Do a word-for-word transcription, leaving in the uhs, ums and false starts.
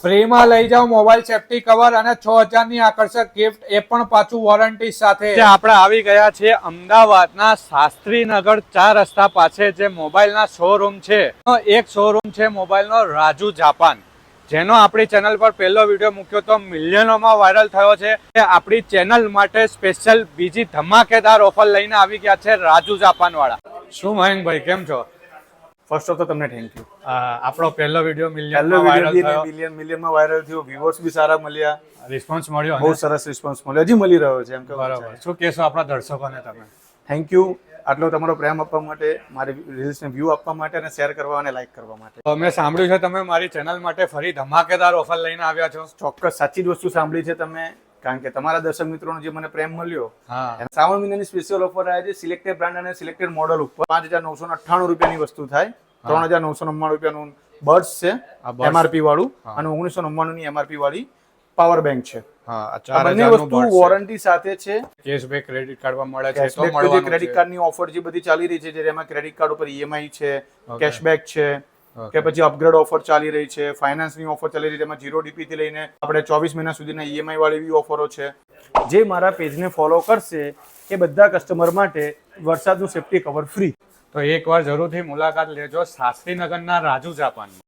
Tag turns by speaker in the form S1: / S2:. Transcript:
S1: ફ્રીમાં લઈ જાઓ મોબાઈલ સેફટી કવર અને છ હજાર ની આકર્ષક ગિફ્ટ, એ પણ પાછું વોરંટી સાથે. આપણે આવી ગયા છે અમદાવાદના શાસ્ત્રીનગર ચાર રસ્તા પાસે જે મોબાઈલના શોરૂમ છે. એક શોરૂમ છે મોબાઈલનો રાજુ જાપાન, જેનો આપણી ચેનલ પર પહેલો વિડીયો મૂક્યો તો મિલિયનોમાં વાયરલ થયો છે. આપણી ચેનલ માટે સ્પેશિયલ બીજી ધમાકેદાર ઓફર લઈને આવી ગયા છે રાજુ જાપાન વાળા. શું મયંકભાઈ, કેમ છો?
S2: ફર્સ્ટ ઓફ તો તમને થેન્ક યુ.
S1: આપણો પહેલો વિડીયો
S2: પહેલો
S1: મિલિયનમાં વાયરલ
S2: વિડીયો
S1: થયો,
S2: મિલિયન મિલિયનમાં વાયરલ થયો, વ્યુઅર્સ બી સારા મળ્યા,
S1: રિસ્પોન્સ મળ્યો.
S2: બહુ સરસ રિસ્પોન્સ મળ્યો, હજી મળી રહ્યો છે એમ કે.
S1: બરાબર. શું કહેશો આપણા દર્શકોને તમે?
S2: થેન્ક યુ આટલો તમારો પ્રેમ આપવા માટે, મારી રીલ્સને વ્યૂ આપવા માટે અને શેર કરવા અને લાઈક કરવા માટે.
S1: મેં સાંભળ્યું છે તમે મારી ચેનલ માટે ફરી ધમાકેદાર ઓફર લઈને આવ્યા છો.
S2: ચોક્કસ સાચી જ વસ્તુ સાંભળી છે તમે, કારણ કે તમારા દર્શક મિત્રોનો જે મને પ્રેમ મળ્યો,
S1: હા,
S2: અને શ્રાવણ મહિનાની સ્પેશિયલ ઓફર આવે છે સિલેક્ટેડ બ્રાન્ડ અને સિલેક્ટેડ મોડલ ઉપર. પાંચ હજાર નવસો અઠ્ઠાણું રૂપિયાની વસ્તુ થાય, ત્રણ હજાર નવસો નવ્વાણું રૂપિયાનું બર્ડ્સ છે એમઆરપી વાળું, અને ઓગણીસો નવ્વાણું ની એમઆરપી વાળી પાવર બેંક છે.
S1: હા,
S2: આ બંને વસ્તુ વોરંટી સાથે છે.
S1: કેશબેક ક્રેડિટ કાર્ડ મળે છે, તો
S2: જે
S1: મળવાનું
S2: ક્રેડિટ
S1: છે.
S2: કાર્ડની ઓફર જે બધી ચાલી રહી છે, જેમાં ક્રેડિટ કાર્ડ ઉપર ઈએમઆઈ છે, કેશબેક છે, કે પછી અપગ્રેડ ઓફર ચાલી રહી છે, ફાઇનાન્સની ઓફર ચાલી રહી છે, એમાં જીરો ડીપી થી લઈને આપણે ચોવીસ મહિના સુધીના ઈએમઆઈ વાળી એવી ઓફરો છે. જે મારા પેજને ફોલો કરશે એ બધા કસ્ટમર માટે વરસાદનું સેફટી કવર ફ્રી.
S1: તો એકવાર જરૂરથી મુલાકાત લેજો શાસ્ત્રીનગરના રાજુ જાપાન.